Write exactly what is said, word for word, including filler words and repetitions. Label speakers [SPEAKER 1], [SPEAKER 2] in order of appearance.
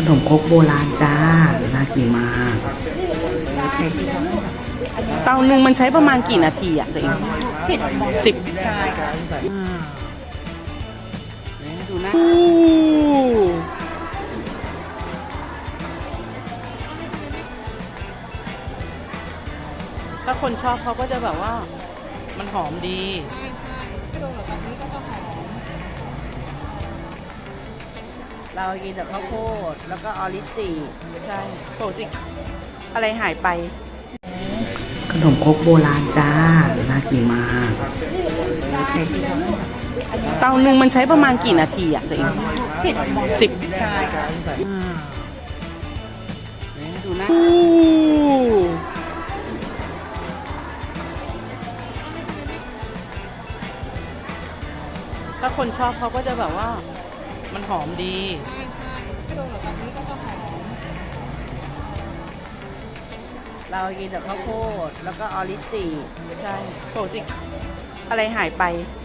[SPEAKER 1] นมครกโบราณจ้าน่ากินมากเตาหนึ่งมันใช้ประมาณกี่นาทีอ่ะตัวเอง
[SPEAKER 2] สิบ
[SPEAKER 1] สิบ
[SPEAKER 2] ใช่ค่ะ
[SPEAKER 1] ดูนะถ้าคนชอบเขาก็จะแบบว่ามันหอมดี
[SPEAKER 2] ใช่ใช่ถ้าโดนกับกะทิก็จะหอม
[SPEAKER 1] เรากินแต่ข้าวโพดแล้วก็ออริจิใช่ปกติอะไรหายไปขนมครกโบราณจ้าน่ากินมากเตาหนึ่งมันใช้ประมาณกี่นาทีอ่ะตัวเอง
[SPEAKER 2] สิบ
[SPEAKER 1] สิบ
[SPEAKER 2] ใช่ค่ะ
[SPEAKER 1] ดูนะถ้าคนชอบเขาก็จะแบบว่ามันหอมดี
[SPEAKER 2] ใช่ใช่ถ้าโดนกับกะทิก็จะหอม
[SPEAKER 1] เรากินแต่ข้าวโพดแล้วก็ออริจิใช่ปกติอะไรหายไป